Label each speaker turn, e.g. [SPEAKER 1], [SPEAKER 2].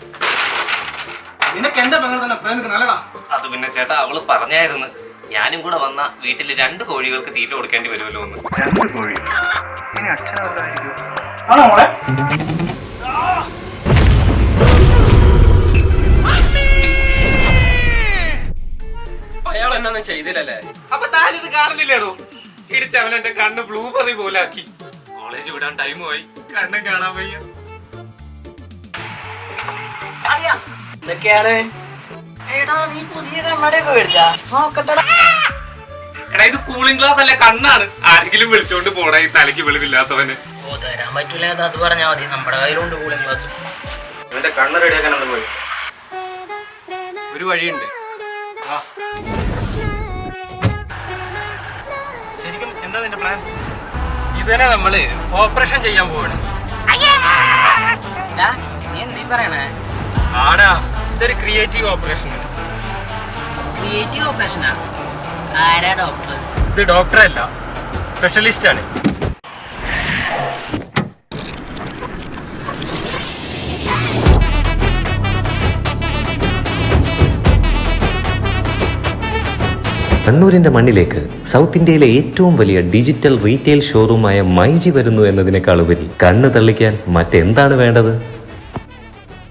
[SPEAKER 1] നിനക്ക് എന്റെ പെങ്ങൾ തന്നെ പ്രേമിക്കണല്ലടാ.
[SPEAKER 2] അത് പിന്നെ ചേട്ടാ അവള് പറഞ്ഞായിരുന്നു ഞാനും കൂടെ വന്ന വീട്ടിൽ 2 കോഴികൾക്ക് തീറ്റ കൊടുക്കേണ്ടി വരുമല്ലോ എന്ന്.
[SPEAKER 3] 2 കോഴി? ഇനി അച്ഛനല്ലായിരിക്കും.
[SPEAKER 1] ആണോ മോളെ?
[SPEAKER 4] അയാൾ എന്നൊന്നും ചെയ്തില്ലല്ലേ?
[SPEAKER 2] അപ്പൊ താനിത് കാണുന്നില്ലേടോ? ഇടിച്ചവൻ എന്റെ കണ്ണ് ബ്ലൂബെറി പോലെ ആക്കി. കോളേജ് വിടാൻ ടൈം പോയി, കണ്ണും കാണാൻ വയ്യ.
[SPEAKER 5] എന്തൊക്കെയാണ്? എടാ നീ പുതിയ കണ്ണടയൊക്കെ മേടിച്ചാ? നോക്കട്ടെടാ.
[SPEAKER 2] എടാ ഇത് കൂളിംഗ് ഗ്ലാസ് അല്ല, കണ്ണാണ്. ആരെങ്കിലും വിളിച്ചോണ്ട് പോടാ ഈ തലയ്ക്ക് വെളിവില്ലാത്തവന്.
[SPEAKER 5] ഓ തരാൻ പറ്റൂല, അത് പറഞ്ഞാ മതി. നമ്മുടെ കയ്യിലുണ്ട് കൂളിംഗ് ഗ്ലാസ്.
[SPEAKER 4] ഇവന്റെ കണ്ണ് റെഡിയാക്കാനുണ്ട് പോയി. ഒരു വഴിയുണ്ട്. ശരിക്കും എന്താ നിന്റെ പ്ലാൻ? ഇവനെ നമ്മള് ഓപ്പറേഷൻ ചെയ്യാൻ പോവാണ്.
[SPEAKER 5] നീ എന്തീ പറയണേ?
[SPEAKER 4] ആടാ, ഇതൊരു ക്രിയേറ്റീവ് ഓപ്പറേഷൻ ആണ്.
[SPEAKER 5] ക്രിയേറ്റീവ് ഓപ്പറേഷനാ? ആരാ ഡോക്ടർ?
[SPEAKER 4] ഇത് ഡോക്ടറല്ല, സ്പെഷ്യലിസ്റ്റ് ആണ്.
[SPEAKER 6] കണ്ണൂരിന്റെ മണ്ണിലേക്ക് സൗത്ത് ഇന്ത്യയിലെ ഏറ്റവും വലിയ ഡിജിറ്റൽ റീറ്റെയിൽ ഷോറൂമായ മൈജി വരുന്നു എന്നതിനേക്കാളുപരി കണ്ണ് തള്ളിക്കാൻ മറ്റെന്താണ് വേണ്ടത്?